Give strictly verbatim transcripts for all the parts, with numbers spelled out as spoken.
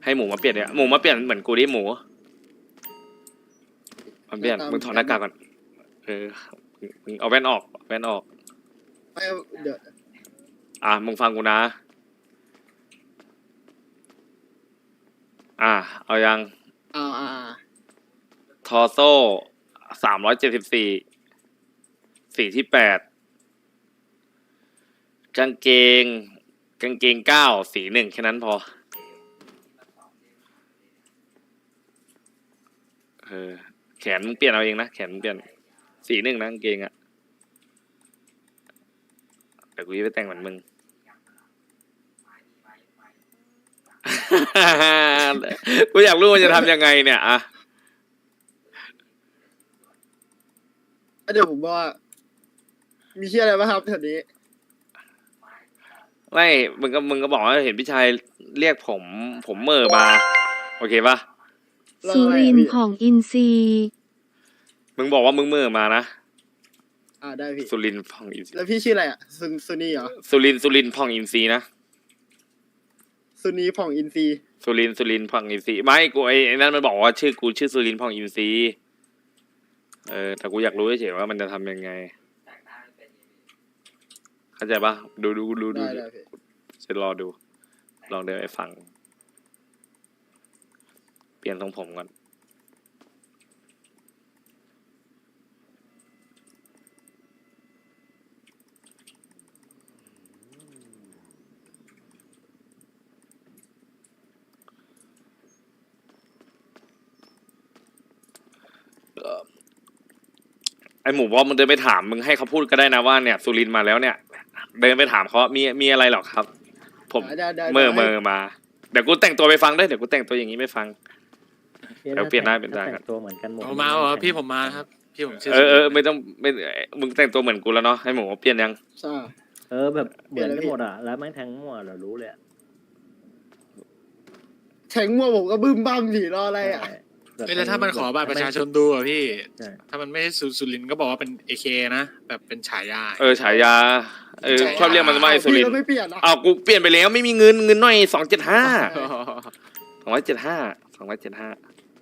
ให้หมูมาเปลี่ยนเนี่ยหมูมาเปลี่ยนเหมือนกูดิหมูมาเปลี่ยนมึงถอดหน้ากากก่อนเออมึงเอาแว่นออกแว่นออกไม่เดี๋ยวอ่ะมึงฟังกูนะอ่ะเอายังอ่าอ่าทอโซ่สามร้อยเจ็ดสิบสี่สีที่แปดกางเกงกางเกงเก้าสีหนึ่งแค่นั้นพอเออแขนมึงเปลี่ยนเอาเองนะแขนมึงเปลี่ยนสีหนึ่งนะกางเกงอะแต่กูจะไปแต่งเหมือนมึง กูอยากรู้ว่าจะทำยังไงเนี่ยอะเดี๋ยวผมว่ามีเชี่ยอะไรบ้างครับแถวนี้ไม่มึงก็มึงก็บอกว่าเห็นพี่ชายเรียกผมผมเมื่อมาโอเคปะสุรินทร์ของอินซีมึงบอกว่ามึงเมื่อมานะอ่าได้พี่สุรินทร์พองอินซีแล้วพี่ชื่ออะไรอ่ะซุนซุนีเหรอสุรินทร์สุรินทร์พองอินซีนะซุนีผ่องอินซีสุรินทร์สุรินทร์พองอินซีไม่กูไอ้นั่นมันบอกว่าชื่อกูชื่อสุรินทร์พองอินซีเออแต่กูอยากรู้เฉยๆว่ามันจะทำยังไงเข้าใจปะดูดูดูดูจะรอดูลองเดินไปฟังเปลี่ยนทรงผมก่อนไอหมูบอมมึงเดินไปถามมึงให้เขาพูดก็ได้นะว่าเนี่ยสุรินทร์มาแล้วเนี่ยเดินไปถามเขามีมีอะไรหรอครับผมเมื่อเมื่อมาเดี๋ยวกูแต่งตัวไปฟังด้วยเดี๋ยวกูแต่งตัวอย่างนี้ไม่ฟังเดี๋ยวเปลี่ยนหน้าเป็นได้กันตัวเหมือนกันหมดมาเหรอพี่ผมมาครับพี่ผมชื่อเออเออไม่ต้องไม่มึงแต่งตัวเหมือนกูแล้วเนาะให้หมูเปลี่ยนยังใช่เออแบบเหมือนกันหมดอ่ะแล้วแม่งแทงมั่วเรารู้เลยแทงมั่วผมก็บึ้มบ้ามสิรออะไรอ่ะไม่แล้วถ้ามันขอบัตรประชาชนดูอ่ะพี่ถ้ามันไม่ใช่สุรินทร์ก็บอกว่าเป็นเอเคนะแบบเป็นฉายาเออฉายาเออชอบเรียกมันว่าสุรินทร์ไม่เปลี่ยนอ่ะอ้าวกูเปลี่ยนไปแล้วไม่มีเงินเงินน้อยสองเจ็ดห้าสองร้อยเจ็ดห้าสองร้อยเจ็ดห้า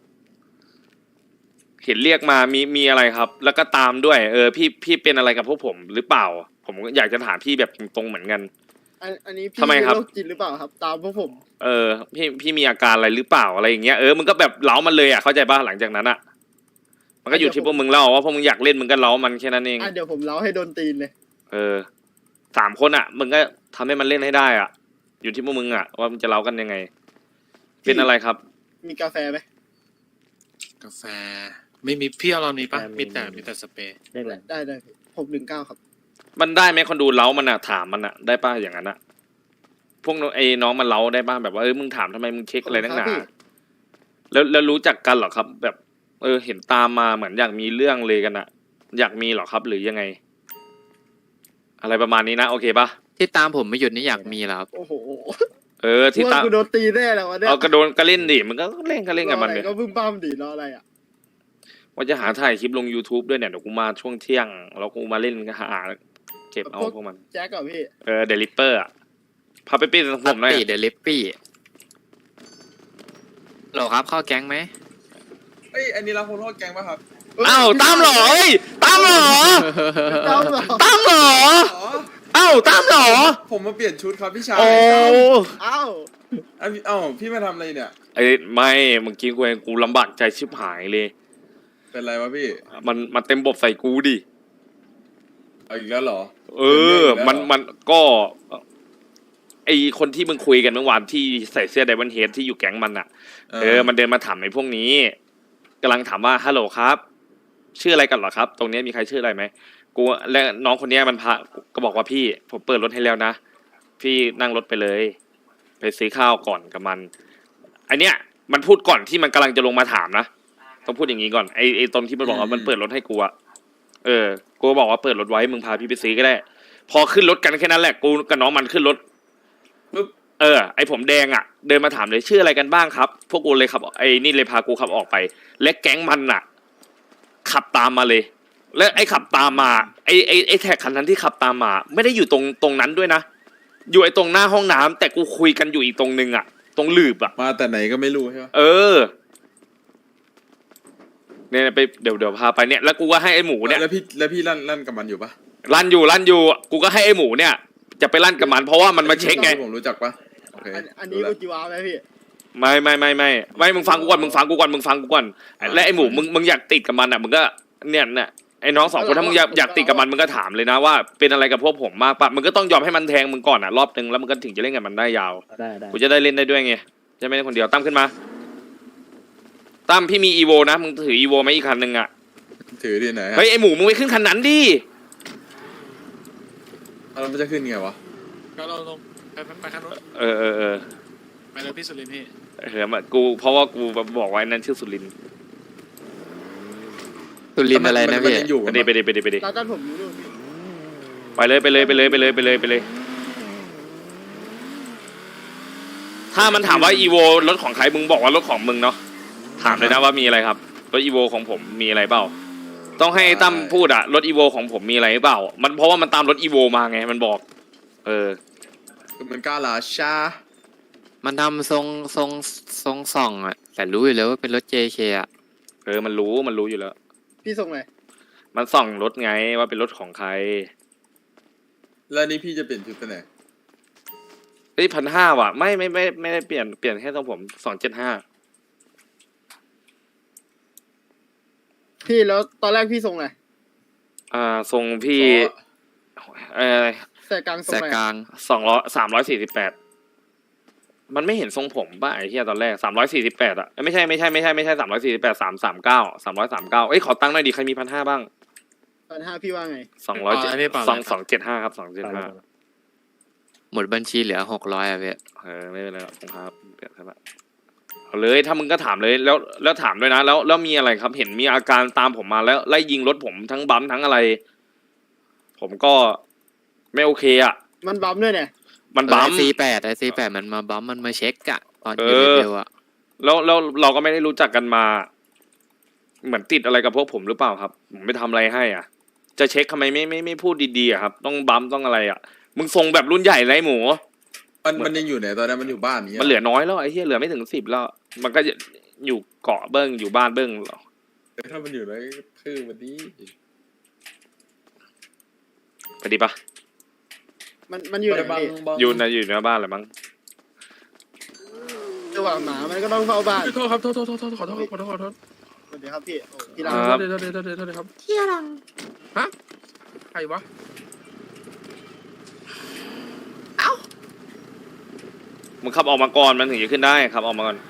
เห็นเรียกมามีมีอะไรครับ แล้วก็ตามด้วยเออพี่พี่เป็นอะไรกับพวกผมหรือเปล่าผมอยากจะถามพี่แบบตรงๆเหมือนกันอันนี้พี่ทำไมครับโรคจิตหรือเปล่าครับตามพวกผมเออพี่พี่มีอาการอะไรหรือเปล่าอะไรอย่างเงี้ยเออมึงก็แบบเล้ามันเลยอ่ะเข้าใจป่ะหลังจากนั้นอ่ะมันก็อยู่ที่พวกมึงเล่าว่าพวกมึงอยากเล่นมึงก็เล้ามันแค่นั้นเองอ่ะเดี๋ยวผมเล้าให้โดนตีนเลยเออสามคนอ่ะมึงก็ทำให้มันเล่นให้ได้อ่ะอยู่ที่พวกมึงอ่ะว่ามึงจะเล้ากันยังไงเป็นอะไรครับมีกาแฟไหมกาแฟไม่มีพี่เอาเรานี้ปะมีแต่มีแต่สเปรย์ได้ได้หกหนึ่งเก้าครับมันได้ไหมคนดูเล้ามันอ่ะถามมันอ่ะได้ป่ะอย่างนั้นอ่ะพวกไอ้น้องมันเล้าได้ป่ะแบบว่าเออมึงถามทำไมมึงเช็คอะไรนักหนาแล้วแล้วรู้จักกันหรอครับแบบเออเห็นตามมาเหมือนอยากมีเรื่องเลยกันอ่ะอยากมีหรอครับหรือยังไงอะไรประมาณนี้นะโอเคป่ะที่ตามผมไม่หยุดนี่อยากมีแล้วครับโอ้โหเออที่ตามกูโดนตีแน่แล้ววะเนี่ยเอากระโดนก็เล่นดิมันก็เล่นก็เล่นกับมันเลยก็บึ้มบ้ามดิรออะไรอ่ะว่าจะหาถ่ายคลิปลง YouTube ด้วยเนี่ยเดี๋ยวกูมาช่วงเที่ยงแล้วกูมาเล่นก็หาเก็บเอาพวกมันแจ็คกับพี่เออเดลิเปอร์อ่ะพาไปปี้ผมหน่อยเดลิปปี้หรอครับเข้าแก๊งไหมเอ้ยอันนี้เราโคโทษแก๊งป่ะครับอ้าวตามหรอเอ้ยตามหรอตามหรอตามหรออ้าวตามหรอผมมาเปลี่ยนชุดครับพี่ชายโอ้อ้าวอ้าวพี่มาทำอะไรเนี่ยไอ้ไม่เมื่อกี้กูเองกูลำบากใจชิบหายเลยเป็นไรวะพี่มันมันเต็มบบใส่กูดิเอาอีกแล้วเหรอเออมันมันก็ไอคนที่มึงคุยกันเมื่อวานที่ใส่เสื้อไดมอนด์เฮดที่อยู่แก๊งมันอ่ะเออมันเดินมาถามในพวกนี้กำลังถามว่าฮัลโหลครับชื่ออะไรกันเหรอครับตรงนี้มีใครชื่ออะไรไหมกูและน้องคนนี้มันพาก็บอกว่าพี่ผมเปิดรถให้แล้วนะพี่นั่งรถไปเลยไปซื้อข้าวก่อนกับมันไอเนี้ยมันพูดก่อนที่มันกำลังจะลงมาถามนะต้องพูดอย่างนี้ก่อนไอไอตรงที่มันบอกว่ามันเปิดรถให้กูอะเออกูบอกว่าเปิดรถไว้มึงพาพี่ไปซื้อก็ได้พอขึ้นรถกันแค่นั้นแหละกูกับน้องมันขึ้นรถปึ๊บเออไอผมแดงอะเดินมาถามเลยชื่ออะไรกันบ้างครับพวกกูเลยครับไอนี่เลยพากูขับออกไปและแก๊งมันอะขับตามมาเลยแล้วไอ้ขับตามมาไอ้ไอ้ไอ้แท็กคันนั้นที่ขับตามมาไม่ได้อยู่ตรงตรงนั้นด้วยนะอยู่ไอ้ตรงหน้าห้องน้ำแต่กูคุยกันอยู่อีกตรงนึงอะตรงหลืบอ่ะมาแต่ไหนก็ไม่รู้ใช่ปะเออเนี่ยไปเดี๋ยวเดี๋ยวพาไปเนี่ยแล้วกูก็ให้ไอ้หมูเนี่ยแล้วพี่แล้วพี่ลั่นลั่นกับมันอยู่ปะลั่นอยู่ลั่นอยู่กูก็ให้ไอ้หมูเนี่ย จะไปลั่นกับมันเพราะว่ามันมาเช็คไงผมรู้จักปะโอเคอันอันนี้รู้กูละจีวาไหมพี่ไม่ไม่ไม่ไม่ไม่มึงฟังกูก่อนมึงฟังกูก่อนมึงฟังกูก่อนอ่าและไอ้หมูมึงมึงอยากติดกับมันอ่ะมึงก็เนี่ยเนี่ยไอ้น้องสองคนถ้ามึงอยากอยากติดกับมันมึงก็ถามเลยนะว่าเป็นอะไรกับพวกผมมากปะมึงก็ต้องยอมให้มันแทงมึงก่อนอ่ะรอบนึงแล้วมึงก็ถึงจะเล่นกับมันได้ยาวได้ได้กูจะได้เล่นได้ด้วยไงจะไม่ได้คนเดียวตั้มขึ้นมาตั้มพี่มีอีโวนะมึงถืออีโวไหมอีกคันหนึ่งอ่ะถือที่ไหนฮะเฮ้ยไอ้หมูมึงไปขึ้นคันนั้นดิเอาแล้วมันจะขึ้นไงวะก็เราลงไปไปไปคันนู้นเออเออเออไปเลยพี่สุรินทร์พี่เออมากูเพราะว่ากูบอกไว้นั่นชื่อสุรินทร์สุรินทร์อะไรนะมัพี่ยังอยู่ไปกันดิปะไปดิไปดิไปดิตาตั้นผมอยู่นู่นพี่ไปเลยไปเลยไปเลยไปเลยไปเลยไปเลย ถ้ามันถามว่าอีโวรถของใครมึงบอกว่ารถของมึงเนาะถามเลยนะว่ามีอะไรครับรถอีโวของผมมีอะไรเปล่า ต้องให้ตั้มพูดอะรถอีโวของผมมีอะไรเปล่า มันเพราะว่ามันตามรถอีโวมาไงมันบอก เออคือมันกล้าลาชามันทำทรงทรงทรงส่องอะแต่รู้อยู่แล้วว่าเป็นรถ เจ เค อะเออมันรู้มันรู้อยู่แล้วพี่ส่งไหนมันส่องรถไงว่าเป็นรถของใครแล้วนี่พี่จะเปลี่ยนชุดไปไหนเฮ้ยพันห้าว่ะไม่ไม่ไม่ไม่ได้เปลี่ยนเปลี่ยนแค่ตรงผมสองเจ็ดห้าพี่แล้วตอนแรกพี่ส่งไหนอ่าทรงพี่เออใส่กลางส่งแสกไหนกลางสองร้อยสามร้อยสี่สิบแปดมันไม่เห็นทรงผมป่ะไอ้เหี้ยตอนแรกสามร้อยสี่สิบแปดอ่ะเอ้ยไม่ใช่ไม่ใช่ไม่ใช่ไม่ใช่สามร้อยสี่สิบแปดสามสามเก้าสามร้อยสามเก้าเอ้ยขอตั้งหน่อยดิใครมีพันห้าบ้างพันห้าพี่ว่าไงสองร้อยเจ็ดสองสองเจ็ดห้าครับสองเจ็ดห้าหมดบัญชีเหลือหกร้อยอะพี่เออไม่เป็นไรหรอกครับเปลี่ยนครับเอาเลยถ้ามึงก็ถามเลยแล้วแล้วถามด้วยนะแล้วแล้วมีอะไรครับ เห็นมีอาการตามผมมาแล้วไล่ยิงรถผมทั้งบัมทั้งอะไร ผมก็ไม่โอเคอ่ะมันบัมด้วยเนี่ยมันบัมซีแปดไอซีแปดมันมาบัมมันมาเช็คอะตอนเออยู่อเร็วๆอะแล้วแล้วเราก็ไม่ได้รู้จักกันมา เหมือนติดอะไรกับพวกผมหรือเปล่าครับผมไม่ทำอะไรให้อ่ะ จะเช็คทำไมไม่ไม่ไม่พูดดีๆอะครับ ต้องบัมต้องอะไรอ่ะ มึงทรงแบบรุ่นใหญ่ไรหมูมันมันยังอยู่ไหนตอนนั้นมันอยู่บ้านนี้มันเหลือน้อยแล้วไอ้เหี้ยเหลือไม่ถึงสิบแล้ว มันก็อยู่เกาะเบิ้งอยู่บ้านเบิ้งหรอถ้ามันอยู่ไหนคือวันนี้ไปดีปะมันมันอยู่ไหนบังพี่บังอยู่ในอยู่ในบ้านแหละมั้งระหว่างหมามันก็ต้องเฝ้าบ้านโทษครับโทษโทษโทษโทษขอโทษขอโทษขอโทษสวัสดีครับพี่โอ้พี่รักครับโทษโทษโทษโทษโทษครับเที่ยรังฮะใครวะมึงขับออกมาก่อนมันถึงจะขึ้นได้ขับออกมาก่อน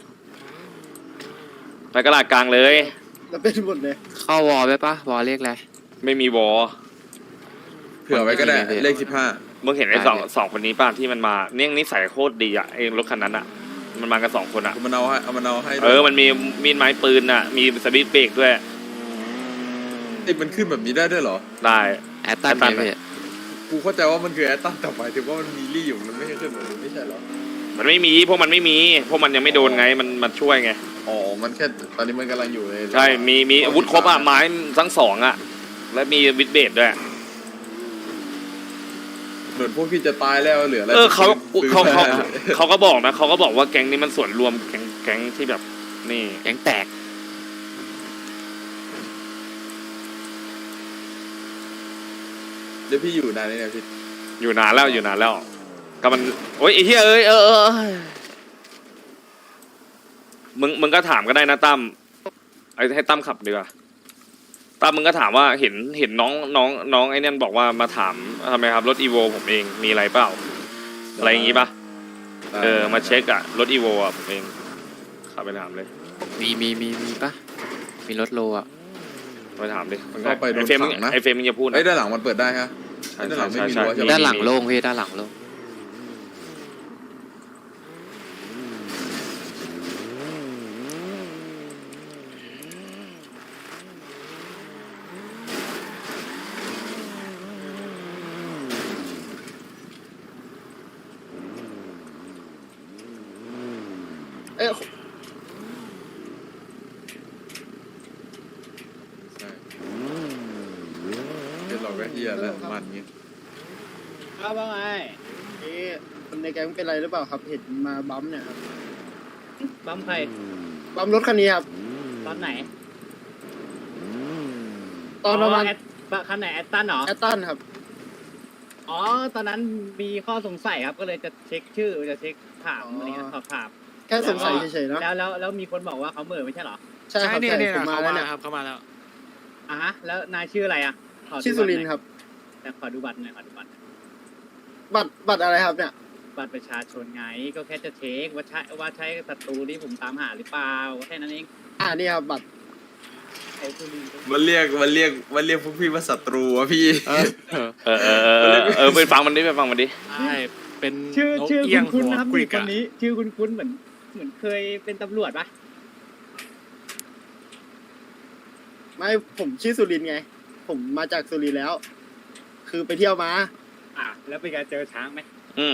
ไปกระดาษกลางเลยแล้วเป็นหมดเลยเข้าวอลไปปะวอลเลขอะไรไม่มีวอเผื่อไว้ก็ได้เลขสิบห้ามึงเห็นไอ้สองได้เลยสองคนนี้ป่ะที่มันมาเนี่ยนิสัยโคตรดีอ่ะไอ้รถคันนั้นอ่ะ มันมากันสองคนอ่ะมันเอาให้เอามันเอาให้เออมันมีมีดไม้ปืนอ่ะ มีสวิตช์เบรกด้วยไอ้ยมันขึ้นแบบนี้ได้ด้วยเหรอได้แอตตันแอตตันไงพี่กูเข้าใจว่ามันคือแอตตันแต่หมายถึงว่ามันมีรี่อยู่มันไม่ใช่ขึ้นแบบนี้ไม่ใช่เหรอมันไม่มีพวกมันไม่มีพวกมันยังไม่โดนไงมันมันช่วยไงอ๋อมันแค่ตอนนี้มันกำลังอยู่ในใช่มีมีอาวุธครบอ่ะไม้ทั้งสองอ่ะ และมีวิดเบรกด้วยเหมือนพวกที่จะตายแล้วเหลืออะไรเออเขาซื้อเขาเขามาเขาก็บอกนะเขาก็บอกว่าแก๊งนี้มันส่วนรวมแก๊งแก๊งที่แบบนี่แก๊งแตกเดี๋ยวพี่อยู่นานนี่เนี่ยพี่อยู่นานแล้วอยู่นานแล้วก็มันโอ้ยไอ้เหี้ยเอ้ยเออเออเออมึงมึงก็ถามก็ได้นะตั้มไอ้ให้ตั้มขับดีกว่าตั้มมึงก็ถามว่าเห็นเห็นน้องน้องน้องไอ้เนี่ยบอกว่ามาถามทำไมครับรถอีโวผมเองมีอะไรเปล่าอะไรอย่างงี้ป่ะเออมาเช็คอะรถอีโวอะผมเองขับไปถามเลยมีมีมีมีปะมีรถโลอะไปถามดิมันเข้าไปโดไอ้นเฟรมมึงขังนะไอ้เฟรมมึงอย่าพูดไอ้ยนะด้านหลังมันเปิดได้ฮะใช่ด้านหลังไม่มีใช่รั้วใช่ใช่ไหมด้านหลังโล่งพี่ด้านหลังโล่งเอ้ยใช่เดี๋ยวเราก็เฮียแล้วมันเงี้ยครับว่าไงนี่คนในแก๊งเป็นไรหรือเปล่าครับ เห็นมาบัมป์เนี่ยครับบัมใครบัมป์รถคันนี้ครับตอนไหนตอนประมาณแอดคันไหนแอดตันเหรอแอตตันครับอ๋อ ตอนนั้นมีข้อสงสัยครับ ก็เลยจะเช็คชื่อ จะเช็คถามอะไรเงี้ยสอบถามแค่สงสัยเฉยๆนะแล้วแล้วแล้วมีคนบอกว่าเขาเหม่อไม่ใช่เหรอใช่ครับเนี่ยใช่เนี่ยผมมาเขาแล้วมาเนี่ยครับเขามาแล้วอ่ะฮะ แล้วนายชื่ออะไรอ่ะขอดูชื่อสุรินทร์ครับแต่ขอดูบัตรหน่อยขอดูบัตรบัตรบัตรอะไรครับเนี่ยบัตรประชาชนไง ก็แค่จะเช็คว่าใช่ว่าใช่ศัตรูที่ผมตามหาหรือเปล่าแค่นั้นเองอ่านี่ครับบัตรไอ้สุรินทร์มันเรียกมันเรียกมันเรียกพวกพี่ว่าศัตรูวะพี่เออเออเออเออเออไปฟังมันดิไปฟังมันดิใช่เป็นชื่อนกชื่อเอี้ยงคุณหัวนะครับกริมีกคนอะนี้ ชื่อคุณคุณเหมือนเหมือนเคยเป็นตำรวจปะไม่ผมชื่อสุรินทร์ไง ผมมาจากสุรินทร์แล้ว คือไปเที่ยวมาอ่ะแล้วเป็นการเจอช้างไหมอืม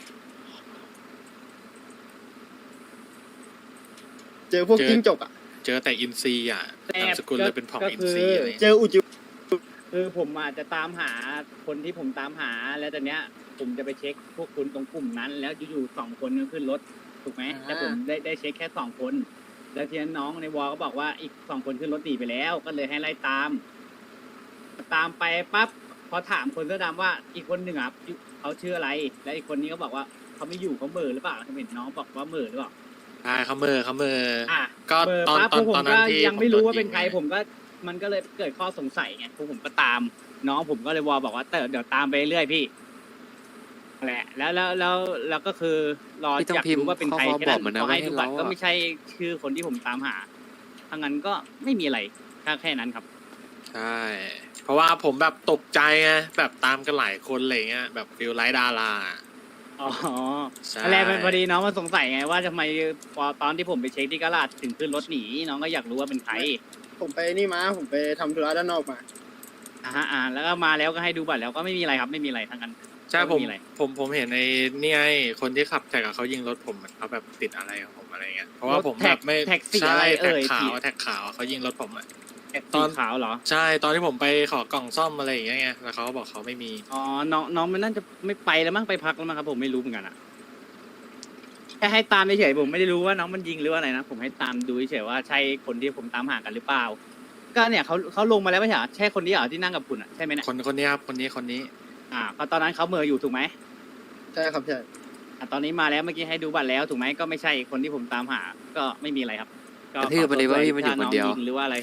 เจอพวกจิ้งจกอ่ะเจอแต่อินซีอ่ะนามสกุลเลยเป็นผ่องอินซีอะไรเจออุจิคือผมอาจจะตามหาคนที่ผมตามหาแล้วตอนเนี้ย ผมจะไปเช็คพวกคุณตรงกลุ่มนั้น แล้วอยู่ๆสองคนก็ขึ้นรถถูกไหมแต่ผมได้ได้เช็คแค่สองคน แล้วทีนั้นน้องในวอลก็บอกว่าอีกสองคนขึ้นรถหนีไปแล้ว ก็เลยให้ไล่ตาม ตามไปปั๊บพอถามคนเสื้อดำว่าอีกคนหนึ่งอ่ะเขาชื่ออะไร และอีกคนนี้ก็บอกว่าเขาไม่อยู่เขาเหม่อหรือเปล่าผมเห็นน้องบอกว่าเหม่อหรือเปล่าใช่เขาเมอเขาเมออ่ะก็เบอร์ตอนปั๊บตอนพวกผตอมนนั้ก็นที่ยังไม่รู้ว่าผโดเป็นใครยิงไงผมก็มันก็เลยเกิดข้อสงสัยไงพวกผมก็ตาม น้องผมก็เลยวอลบอกว่าเตอเดี๋ยวตามไปเรื่อยพี่แหละแล้วแล้วแล้วแล้วก็คือรอพี่ต้องอยากพิมพ์รู้ว่าเป็นใครข้อแค่บอนั้กนมันนะพอให้ว่าให้ดูบัตรเราอะก็ไม่ใช่ชื่อคนที่ผมตามหาถ้างั้นก็ไม่มีอะไรแค่แค่นั้นครับใช่ เพราะว่าผมแบบตกใจไงแบบตามกันหลายคนอะไรเงี้ยแบบฟิลไลท์ดาราอ๋อใช่อะไรเป็นพอดีน้องมาสงสัยไงว่าทำไมพอตอนที่ผมไปเช็คที่กะลาดถึงขึ้นรถหนีน้องก็อยากรู้ว่าเป็นใครผมไปนี่มา ผมไปทำธุระด้านนอกมาอ่าฮะอ่าแล้วก็มาแล้วก็ให้ดูบัตรแล้วก็ไม่มีอะไรครับไม่มีอะไรทั้งนั้นใช่ผมไม่มีอะไรผมผมเห็นในนี่ไงคนที่ขับแท็กอะเขายิงรถผมเขาแบบติดอะไรของผมอะไรเงี้ยเพราะว่าผมแบบไม่แท็กสีใช่อะไรแท็กเอ่ยขาวสีแท็กขาวเขายิงรถผมอะแท็กตสีอนขาวเหรอใช่ตอนที่ผมไปขอกล่องซ่อมอะไรอย่างเงี้ยไงแล้วเขาก็บอกเขาไม่มีอ๋อ น้องน้องมันน่าจะไม่ไปแล้วมั้งไปพักแล้วมั้งครับผมไม่รู้เหมือนกันอะแค่ให้ตามเฉยๆผมไม่ได้รู้ว่าน้องมันยิงหรือว่าอะไรนะผมให้ตามดูเฉยๆว่าใช่คนที่ผมตามหากันหรือเปล่า ก็เนี่ยเขาเขาลงมาแล้วไม่ใช่เหรอใช่คนนี้เหรอที่นั่งกับคุณอะใช่ไหมเนี่ยคนคนนี้ครับคนนี้คนนี้อ่าก็ตอนนั้นเขาเหมออยู่ถูกไหมใช่ครับใช่อ่ะตอนนี้มาแล้วเมื่อกี้ให้ดูบัตรแล้วถูกไหมก็ไม่ใช่คนที่ผมตามหา ก็ไม่มีอะไรครับ ก็กระทืบไปเลยว่าพี่มันอยู่คนเดียวถ้าองงหรือว่าอะไร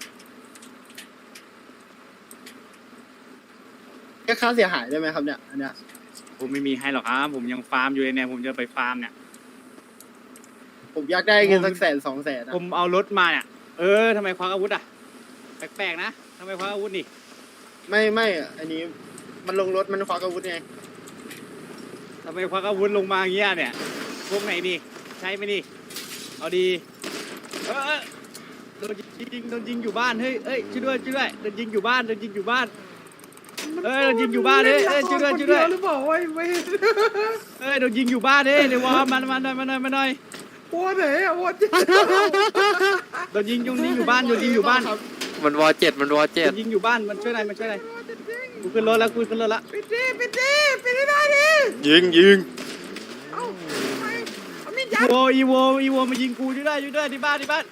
แค่ค่าเสียหายได้ไหมครับเนี่ย อันเนี้ยผมไม่มีให้หรอกครับผมยังฟาร์มอยู่เลยเนี่ยผมจะไปฟาร์มเนี่ยผมอยากได้เงินสักแสนสองแสนนะผมเอารถมาเนี่ย เออทำไมควักอาวุธอ่ะ แปลกๆนะทำไมควักอาวุธนี่ไม่ไม่อะอันนี้มันลงรถมันควักอาวุธไงทำไมควักอาวุธลงมาอย่างเงี้ยเนี่ย พวกไหนนี่ ใช่ไหมนี่ เอาดี เออเออโดนยิงโดนยิงอยู่บ้าน เฮ้ยเอ้ยช่วยด้วยช่วยด้วยโดนยิงอยู่บ้านโดนยิงอยู่บ้าน เอ้ยโดนยิงอยู่บ้านเฮ้ยเอ้ยช่วยด้วยช่วยด้วยหรือเปล่าไว้ไว้เอ้ยโดนยิงอยู่บ้านเฮ้ยเดี๋ยววอมามาหน่อยมาหน่อยมาหน่อยวัวไหนอะวัวโดนยิงยุงยิงอยู่บ้านโดนยิงอยู่บ้านมันวอเจ็ดมันวอโดเจ็ดนยิงอยู่บ้านมันช่วยหน่อยมันช่วยหน่อยกูขึ้นรถแล้วกูขึ้นรถแล้วปิดดิปิดดิปิดให้ได้ดิยิงยิงเอ้าทำไมเอามีดยัดโวอีโวอีโวมายิงกูช่วยด้วยช่วยด้วยที่บ้านที่บ้าน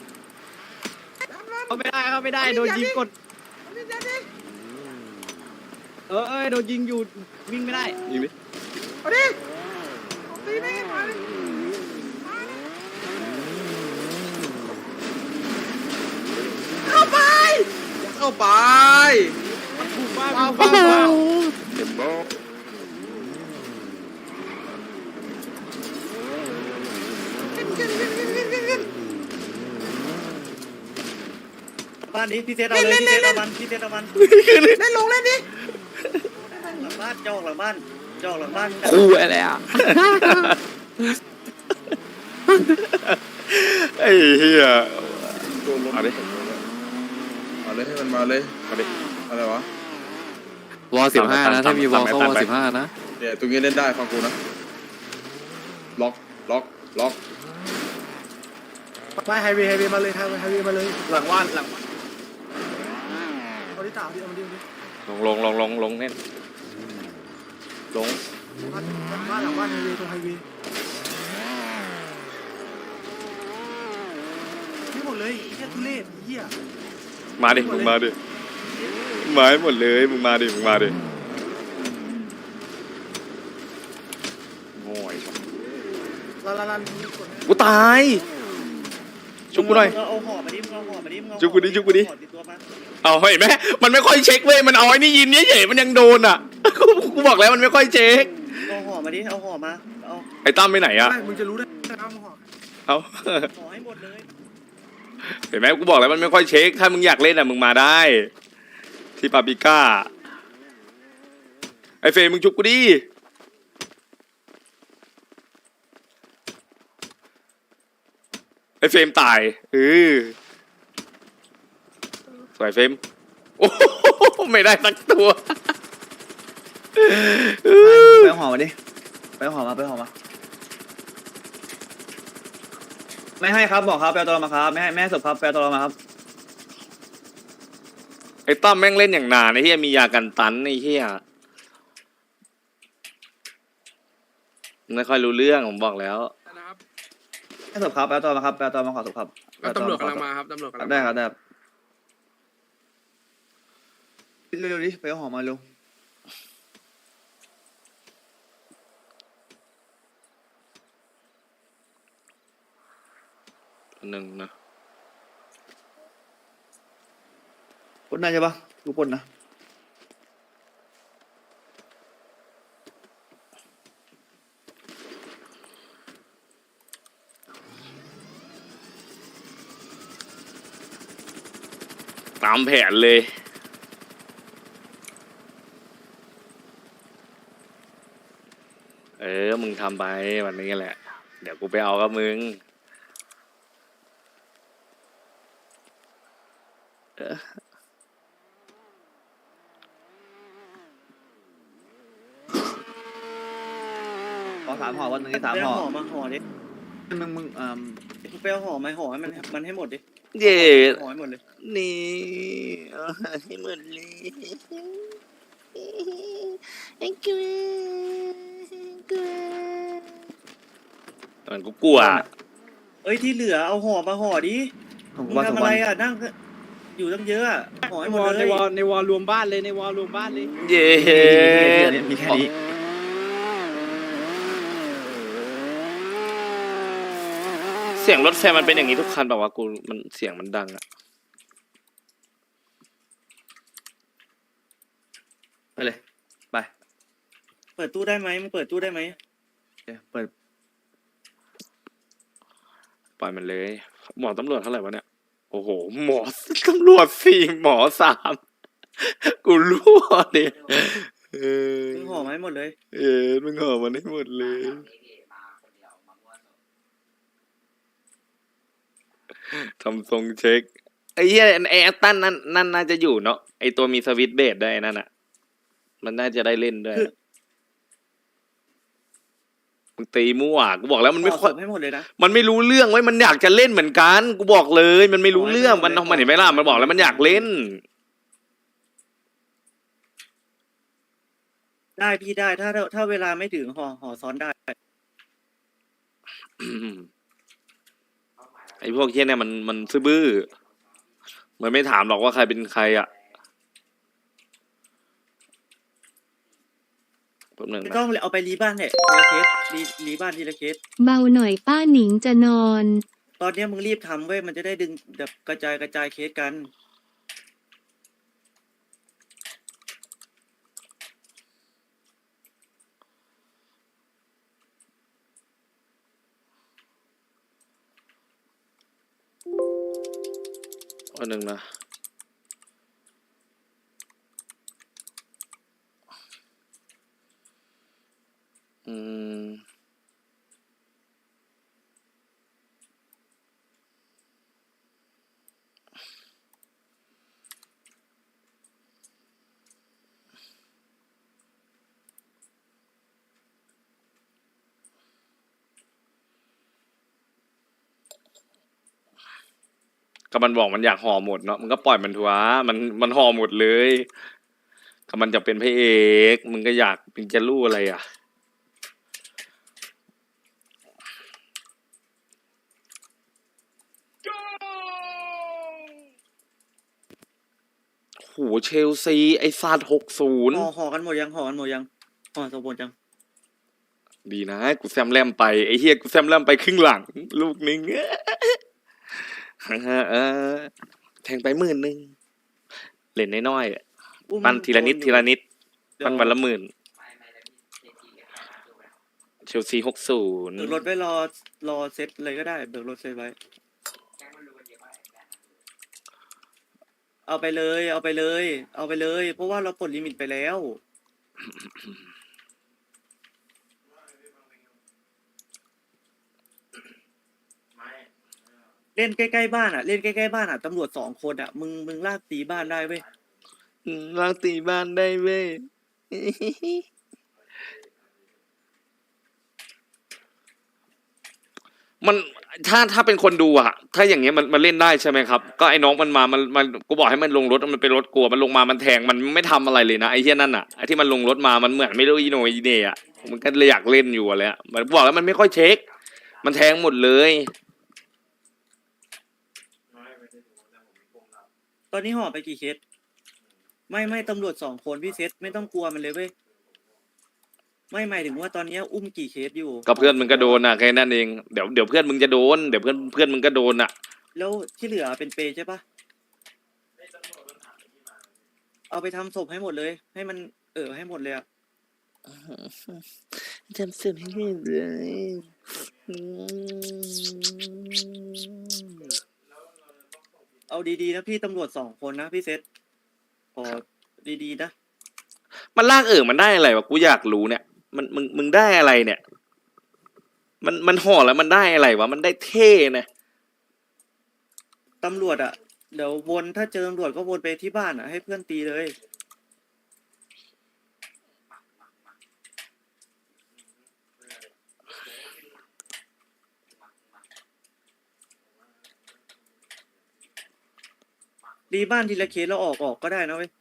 เขาไม่ได้เขาไม่ได้โดนยิงกดเอามีดยัดดิเออเอ้ยโดนยิงอยู่วิ่งไม่ได้ยิงดิเอาดิเอาตีไม่ให้มาดิเข้าไปอย่าเข้าไปถูกมากว้าวถูกมากว้าวเต็มโบบ้านนี้พี่เซตเอาเลยพี่เซตเอามันพี่เซตเอามันเล่นลงเล่นดิหลังบ้านจอกหลังบ้านจอกหลังบ้านคู่อะไรอ่ะไอ้เหี้ยเอาดิเอาเลยให้มันมาเลยเอาดิอะไรวะวอสิบห้านะถ้ามีวอตามไปเข้าวตามอไปสิบห้านะเนี่ยตรงนี้เล่นได้ฟังกูนะ ล็อก ล็อก ล็อกไปไฮเวย์ไฮเวย์มาเลยไฮเวย์ไฮเวย์มาเลยหลังว่านหลังว่านเอาดิตาเอาดิเอาดิเอาดิลงลงลงลงลงเน่นลงบ้านหลังบ้านไฮเวย์ตรงไฮเวย์นี่หมดเลยแค่ทุเรศเหี้ยมาดิมึงมาดิมาให้หมดเลยมึงมาดิมึงมาดิโง่ไอ้สัสลาลาลากูตายชุบกูหน่อยเอาห่อมาดิมึงเอาห่อมาดิมึงเอาจุกกูดิจุกกูดิห่อติดตัวมาเอาเห็นไหมมันไม่ค่อยเช็คเว้ยมันเอาไอ้นี่ยินเฉยๆมันยังโดนอ่ะ กูกูบอกแล้วมันไม่ค่อยเช็คเอาห่อมาดิเอาห่อมาเอาไอ้ตั้มไปไหนอ่ะไม่มึงจะรู้ได้เอามาห่อเอาห่อให้หมดเลยเห็นไหมกูบอกแล้วมันไม่ค่อยเช็คถ้ามึงอยากเล่นอ่ะมึงมาได้ ที่ปาปิก้าไอ้เฟยมึงจุกกูดิไอ้เฟรมตายเออสวยเฟรมโอ้โหไม่ได้สักตัวไปเอาห่อมาดิไปเอาห่อมาไปเอาห่อมาไม่ให้ครับบอกครับไปเอาตัวเรามาครับไม่ให้ไม่ให้ศพครับไปเอาตัวเรามาครับไอ้ตั้มแม่งเล่นอย่างนานไอ้เหี้ยมียากันตันไอ้เหี้ยไม่ค่อยรู้เรื่องผมบอกแล้วให้ศพครับไปเอาตัวมาครับไปเอาตัวมาขอศพครับตำรวจกำลังมาครับตำรวจกำลังได้ครับได้ครับเร็วๆดิไปเอาห่อมาเร็วหนึ่งนะคนได้ใช่ปะทุกคนนะตามแผนเลย เออ มึงทำไปวันนี้แหละ เดี๋ยวกูไปเอากับมึงเออขอสามห่อวันหนึ่งสามไปห่อเอาห่อมาห่อดิมึงมึงอ่าไปเอาห่อมาห่อให้มันมันให้หมดดิเย่ห่อให้หมดเลยนี่เอาให้หมดเลยไอ้กูกูมันกูกลัวเอ้ยที่เหลือเอาห่อมาห่อดิผมมึงว่าสอทำงอะวัไรนอ่ะนั่งอยู่ตั้งเยอะอะห่อให้หมดวอลเลในยวอลในวอลรวมบ้านเลยในวอลรวมบ้านเลยเย่มีแค่นี้เสียงรถแฟนมันเป็นอย่างนี้ทุกคันแบบว่าวะกูมันเสียงมันดังอะไปเลยไปเปิดตู้ได้ไหมมึงเปิดตู้ได้ไหมเดี๋ยวเปิดปล่อยมันเลย หมอตำรวจเท่าไหร่วะเนี่ยโอ้โหหมอตำรวจสี่หมอสามกูรั่วเนี่ยเออมึงห่อมาให้หมดเลยเออมึงห่อมันให้หมดเลยทำทรงเช็คไอ้เหี้ยไอ้แอตตันนั่นนั่นน่าจะอยู่เนาะไอ้ตัวมีสวิตช์เบสได้นั่นอ่ะมันน่าจะได้เล่นด้วยมึงตีมั่วกูบอกแล้วมันไม่ห่อค่อยศพให้หมดเลยนะมันไม่รู้เรื่องไว้ยมันอยากจะเล่นเหมือนกันกูบอกเลย มันไม่รู้เรื่องมันมันเห็นไหมล่ะมันบอกแล้วมันอยากเล่นได้พี่ได้ถ้าถ้าถ้าเวลาไม่ถึงห่อห่อซ้อนได้ไอ้พวกเหี้ยเนี่ยมันมันซื่อบื้อมันไม่ถามหรอกว่าใครเป็นใครอ่ะแป๊บหนึงไม่นะต้องเอาไปรีบ้านเนี่ยทีละเคสรีรีบ้านทีละเคสเบาหน่อยป้าหนิงจะนอนตอนเนี้ยมึงรีบทำเว้ยมันจะได้ดึงแบบกระจายกระจายเคสกันอันหนึ่งนะอืมก็มันบอกมันอยากห่อหมดเนาะมันก็ปล่อยมันทัวมันมันห่อหมดเลยก็มันจะเป็นพระเอกมึงก็อยากเป็นจะรู้อะไรอ่ะเชลซีไอ้ซาดหกศูนย์ห่อห่อกันหมดยังห่อกันหมดยังห่อสมบูรณ์ยังดีนะกูแซมแลมไปไอ้เฮียกูแซมแลมไปครึ่งหลัง ลูกนึง เออแทงไปหมื่นหนึ่งเล่นน้อยๆอะอุ้มปั้นทีละนิดโอยู่ทีละนิดเดี๋ยวปั้นวันละหมื่นเชลซีหกศูนย์เบิกรถไว้รอรอเซ็ตเลยก็ได้เบิกรถเซ็ตไว้ เอาไปเลย เอาไปเลย เอาไปเลย เพราะว่าเราปลดลิมิตไปแล้ว เล่นใกล้ๆบ้านอ่ะ เล่นใกล้ๆบ้านอ่ะตำรวจสองคนอ่ะ มึงมึงลากตีบ้านได้เว้ยล้างตีบ้านได้เว้ย มันถ้าถ้าเป็นคนดูอะถ้าอย่างเงี้ยมันมันเล่นได้ใช่ไหมครับ ก็ไอ้น้องมันมามันมันกูบอกให้มันลงรถมันเป็นรถกลัวมันลงมามันแทงมันไม่ทำอะไรเลยนะไอ้เหี้ยนั่นอะไอ้ที่มันลงรถมามันเหมือนไม่รู้อีโหนอีเหน่อะมันก็เลยอยากเล่นอยู่อะเลยอะมันบอกแล้วมันไม่ค่อยเช็ค มันแทงหมดเลยตอนนี้ห่อไปกี่เคส ไม่ไม่ตำรวจสองคนพี่เซตไม่ต้องกลัวมันเลยเว้ย ไม่หมายถึงว่าตอนนี้อุ้มกี่เคสอยู่ก็เพื่อนมึงก็โดนอะแค่นั้นเองเดี๋ยวเดี๋ยวเพื่อนมึงจะโดนเดี๋ยวเพื่อนเพื่อนมึงก็โดนอะแล้วที่เหลือเป็นเปย์ใช่ปะเอาไปทำศพให้หมดเลย ให้มันเออให้หมดเลยอะจำสิ่งให้เลยอืมเอาดีๆนะพี่ตำรวจสองคนนะพี่เซตขอดีๆนะมันลากเออมันได้อะไรวะกูอยากรู้เนี่ยมันมึงมึงได้อะไรเนี่ย มันมันห่อแล้วมันได้อะไรวะมันได้เท่นะตำรวจอะเดี๋ยววนถ้าเจอตำรวจก็วนไปที่บ้านอะให้เพื่อนตีเลย ดีบ้านทีละเคสแล้วออกออกก็ได้นะเว้ย